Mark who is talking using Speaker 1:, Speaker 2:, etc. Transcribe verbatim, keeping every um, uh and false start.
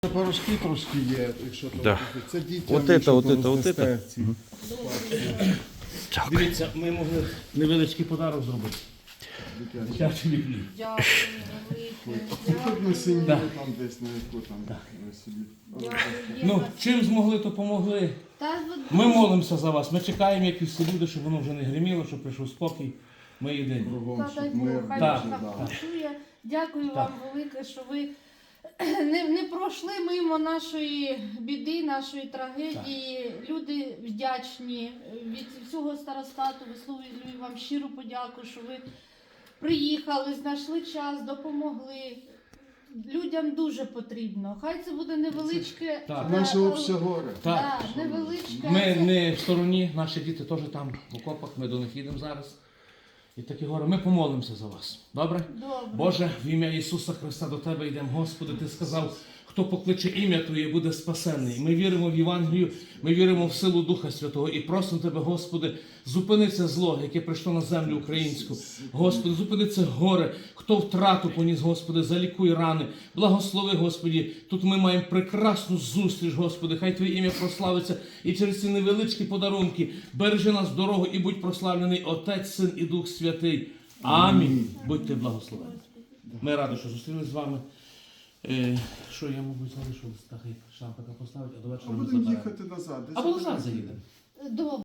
Speaker 1: Порошки трошки є, якщо то
Speaker 2: Да.
Speaker 1: це дітям,
Speaker 2: От це,
Speaker 1: якщо
Speaker 2: от
Speaker 1: то
Speaker 2: це, от це.
Speaker 1: роздасте.
Speaker 3: Дивіться, ми могли невеличкий подарок зробити. Дитячий біблій.
Speaker 4: Дякую, велике.
Speaker 1: Тут на синій,
Speaker 3: Да.
Speaker 1: там десь на яку там ви собі.
Speaker 4: Дякую.
Speaker 3: Ну, чим змогли, то помогли.
Speaker 4: Та от
Speaker 3: Ми молимося за вас. Ми чекаємо, як і всі люди, щоб воно вже не гриміло, щоб прийшов спокій. Ми єдині.
Speaker 1: Кругом,
Speaker 4: Та дай
Speaker 1: щоб
Speaker 4: Бог,
Speaker 1: мир
Speaker 4: хай
Speaker 3: Так,
Speaker 4: Бог
Speaker 1: дуже
Speaker 4: так
Speaker 1: дав.
Speaker 4: почує. Дякую вам велике, що ви не, не пройшли мимо нашої біди, нашої трагедії. Люди вдячні від всього старостату. Висловлюю вам щиру подяку, що ви приїхали, знайшли час, допомогли. Людям дуже потрібно. Хай це буде невеличке.
Speaker 3: Так.
Speaker 4: е,
Speaker 1: Наше обще горе.
Speaker 3: Так.
Speaker 4: Да, невеличке.
Speaker 3: Ми
Speaker 4: це-
Speaker 3: не в стороні, наші діти теж там в окопах, ми до них їдемо зараз. І такі горе, ми помолимося за вас. Добре?
Speaker 4: Добре.
Speaker 3: Боже, в ім'я Ісуса Христа до Тебе йдемо. Господи, Ти сказав, хто покличе ім'я Твоє, буде спасенний. Ми віримо в Євангелію, ми віримо в силу Духа Святого і просимо Тебе, Господи, зупини це зло, яке прийшло на землю українську. Господи, зупини це горе, хто втрату поніс, Господи, залікуй рани. Благослови, Господи, тут ми маємо прекрасну зустріч, Господи, хай Твоє ім'я прославиться і через ці невеличкі подарунки бережи нас дорогу і будь прославлений Отець, Син і Дух Святий. Амінь. Будьте благословені. Ми раді, що зустрілися з вами. Е, що я, мабуть, залишу, так, шампика поставити, а до вечора
Speaker 1: А
Speaker 3: ми
Speaker 1: будемо
Speaker 3: заберемо.
Speaker 1: їхати назад. Десь
Speaker 3: Або назад заїдемо.
Speaker 4: Добре.